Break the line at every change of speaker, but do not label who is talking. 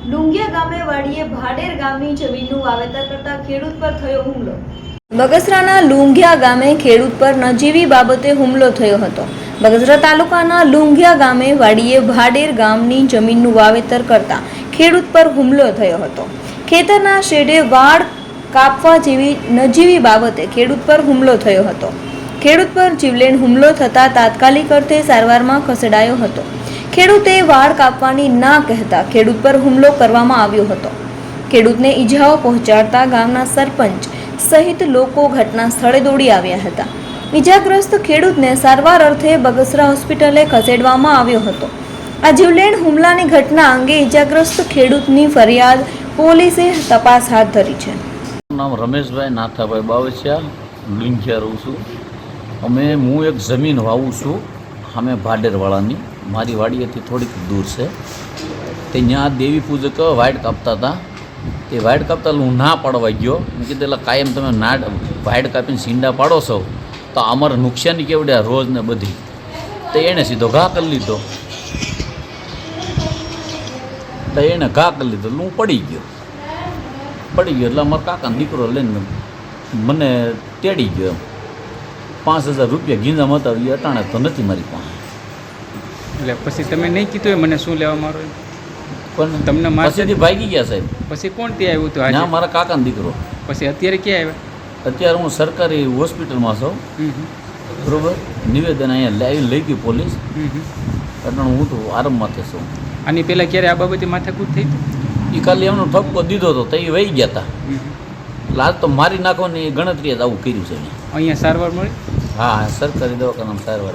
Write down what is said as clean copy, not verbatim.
લુંગિયા ગામે વાડીએ ભાડેર ગામની જમીનનું વાવેતર કરતા ખેડૂત પર થયો હુમલો। બગસરાના લુંગિયા ગામે ખેડૂત પર નજીવી બાબતે હુમલો થયો હતો। બગસરા તાલુકાના લુંગિયા ગામે વાડીએ ભાડેર ગામની જમીનનું વાવેતર કરતા ખેડૂત પર હુમલો થયો હતો। ખેતરના શેડે વાડ કાપવા જેવી નજીવી બાબતે ખેડૂત પર હુમલો થયો હતો। ખેડૂત પર જીવલેણ હુમલો થતાં તાત્કાલિક અર્થે સારવારમાં ખસેડાયો હતો। ખેડૂતે વાડ કાપવાની ના કહેતા ખેડૂત પર હુમલો કરવામાં આવ્યો હતો। ખેડૂતને ઈજાઓ પહોંચાડતા ગામના સરપંચ સહિત લોકો ઘટના સ્થળે દોડી આવ્યા હતા। ઈજાગ્રસ્ત ખેડૂતને સારવાર અર્થે બગસરા હોસ્પિટલે ખસેડવામાં આવ્યો હતો। આ જીવલેણ હુમલાની ઘટના અંગે ઈજાગ્રસ્ત ખેડૂતની ફરિયાદ પોલીસે તપાસ હાથ ધરી છે।
નામ રમેશભાઈ નાથાભાઈ બાવસિયા, લુંગિયા રહું છું। હું એક જમીન વાવું છું અમે ભાડેરવાળાની, મારી વાડીએથી થોડીક દૂર છે। તે ત્યાં દેવી પૂજક વાઇડ કાપતા હતા। તે વાઇડ કાપતા હું ના પાડવા ગયો। મેં કીધું એટલે કાયમ તમે ના વાઇડ કાપીને સીંડા પાડો છો તો અમારે નુકસાની કેવડે રોજ ને બધી। તો એણે સીધો ઘા કરી લીધો। તો એણે ઘા કરી લીધો એટલે હું પડી ગયો એટલે અમારા કાકાનો દીકરો લઈને મને તેડી ગયો। 5000 રૂપિયા ગીંજામાં હતા, એ અટાણે તો નથી મારી પાસે।
એટલે પછી તમે નહીં કીધું મને શું લેવા મારો
પણ
તમને
પાસેથી ભાગી ગયા સાહેબ।
પછી કોણ ત્યાં આવ્યું હતું
ના, મારા કાકાનો દીકરો।
પછી અત્યારે ક્યાં આવ્યા?
અત્યારે હું સરકારી હોસ્પિટલમાં છું, બરોબર। નિવેદન અહીંયા લઈ ગયું પોલીસ, એટલે હું તો આરામમાંથી છું।
આની પહેલાં ક્યારે આ બાબતે માથાકૂટ થઈ હતી?
એ ખાલી એમનો ઠપકો દીધો હતો તો એ વહી ગયા હતા। એટલે આજ તો મારી નાખવાની ગણતરીએ જ આવું કર્યું છે।
અહીંયા સારવાર મળી?
હા, સરકારી દવાખાનામાં સારવાર।